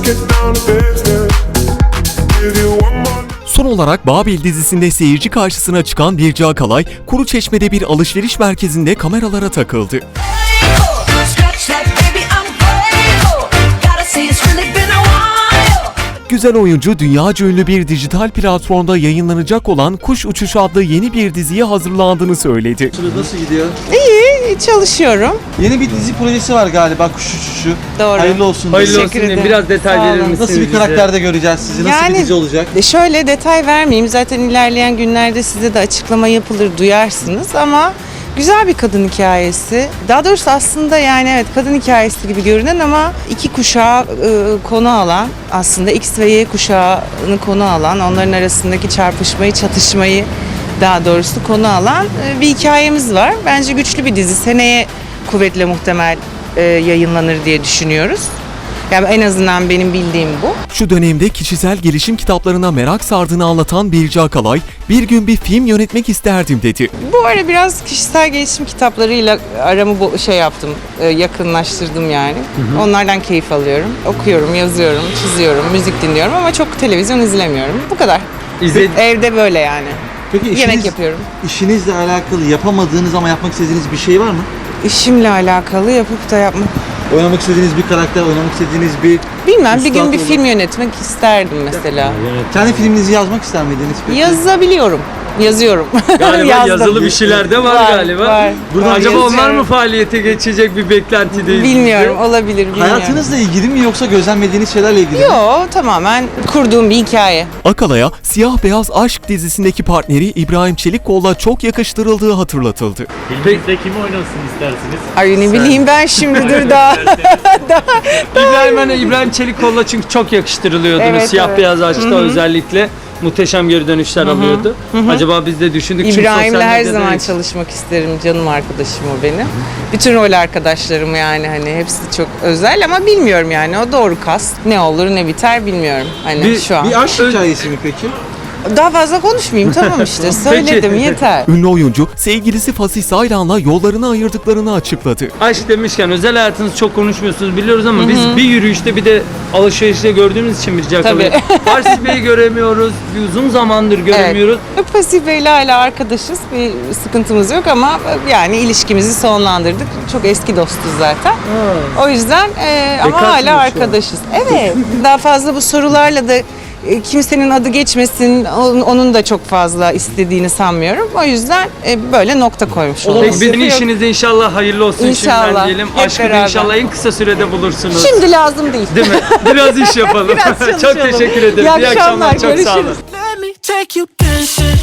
Son olarak Babil dizisinde seyirci karşısına çıkan Birce Akalay, Kuruçeşme'de bir alışveriş merkezinde kameralara takıldı. Güzel oyuncu, dünyaca ünlü bir dijital platformda yayınlanacak olan Kuş Uçuşu adlı yeni bir diziye hazırlandığını söyledi. Nasıl gidiyor? İyi, çalışıyorum. Yeni bir dizi projesi var galiba, Kuş Uçuşu. Doğru. Hayırlı olsun. Hayırlı Teşekkür olsun diyeyim. ederim. Biraz detay Sağ verir olun. misiniz? Nasıl bir bize? karakterde göreceğiz sizi? Nasıl bir dizi olacak? Şöyle detay vermeyeyim. Zaten ilerleyen günlerde size de açıklama yapılır, duyarsınız ama güzel bir kadın hikayesi. Daha doğrusu aslında yani evet kadın hikayesi gibi görünen ama iki kuşağı konu alan, aslında X ve Y kuşağını konu alan, onların arasındaki çarpışmayı, çatışmayı daha doğrusu konu alan bir hikayemiz var. Bence güçlü bir dizi. Seneye kuvvetle muhtemel yayınlanır diye düşünüyoruz. Yani en azından benim bildiğim bu. Şu dönemde kişisel gelişim kitaplarına merak sardığını anlatan Birce Akalay, bir gün bir film yönetmek isterdim dedi. Bu ara biraz kişisel gelişim kitaplarıyla aramı yaptım, yakınlaştırdım yani. Onlardan keyif alıyorum. Okuyorum, yazıyorum, çiziyorum, müzik dinliyorum ama çok televizyon izlemiyorum. Bu kadar. Evde böyle yani. Peki Yemek yapıyorum. İşinizle alakalı yapamadığınız ama yapmak istediğiniz bir şey var mı? İşimle alakalı yapıp da yapmak. Oynamak istediğiniz bir karakter, oynamak istediğiniz bir... Bilmem, bir gün üstad bir olur. film yönetmek isterdim mesela. Kendi filminizi yazmak ister miydiniz peki? Yazabiliyorum. Yazıyorum. Galiba Yazdım. yazılı bir şeyler de var galiba. Var. Burada Var, acaba onlar yazıyorum. mı faaliyete geçecek bir beklentideyiz? Bilmiyorum, olabilir, bilmiyorum. Hayatınızla ilgili mi yoksa gözlemlediğiniz şeylerle ilgili mi? Yok, tamamen kurduğum bir hikaye. Akalay'a Siyah Beyaz Aşk dizisindeki partneri İbrahim Çelikkol'la çok yakıştırıldığı hatırlatıldı. Filminizde kimi oynasın istersiniz? Ay ne bileyim ben şimdi dur daha. İbrahim Çelikkol'la çünkü çok yakıştırılıyordunuz. Evet, Siyah evet. beyaz aşkta özellikle muhteşem geri dönüşler alıyordu. Acaba biz de düşündük çünkü İbrahim'le sosyal her medyada zaman hiç- çalışmak isterim. Canım arkadaşım o benim. Bütün rol arkadaşlarım yani hani hepsi çok özel ama bilmiyorum yani o doğru kast. Ne olur ne biter bilmiyorum hani şu an. Bir aşk hikayesi mi peki? Daha fazla konuşmayayım tamam işte söyledim yeter. Ünlü oyuncu, sevgilisi Fasih Saylan'la yollarını ayırdıklarını açıkladı. Aşk demişken özel hayatınızı çok konuşmuyorsunuz biliyoruz ama biz bir yürüyüşte bir de alışverişte gördüğümüz için bir Tabii. Parsif Bey'i göremiyoruz. Bir uzun zamandır göremiyoruz. Evet. Pasif Bey'le hala arkadaşız. Bir sıkıntımız yok ama yani ilişkimizi sonlandırdık. Çok eski dostuz zaten. O yüzden ama Bekarsınız şu hala an. arkadaşız. Evet. Daha fazla bu sorularla da kimsenin adı geçmesin. Onun da çok fazla istediğini sanmıyorum. O yüzden böyle nokta koymuş oldum. Peki bizim işinizde inşallah hayırlı olsun İnşallah. şimdiden diyelim. Hep Aşkı da beraber. inşallah en kısa sürede bulursunuz. Şimdi lazım değil. Değil mi? Biraz iş yapalım. Biraz Çok çalışalım. teşekkür ederim. İyi akşamlar, Çok sağ olun. görüşürüz. Let me take you dancing.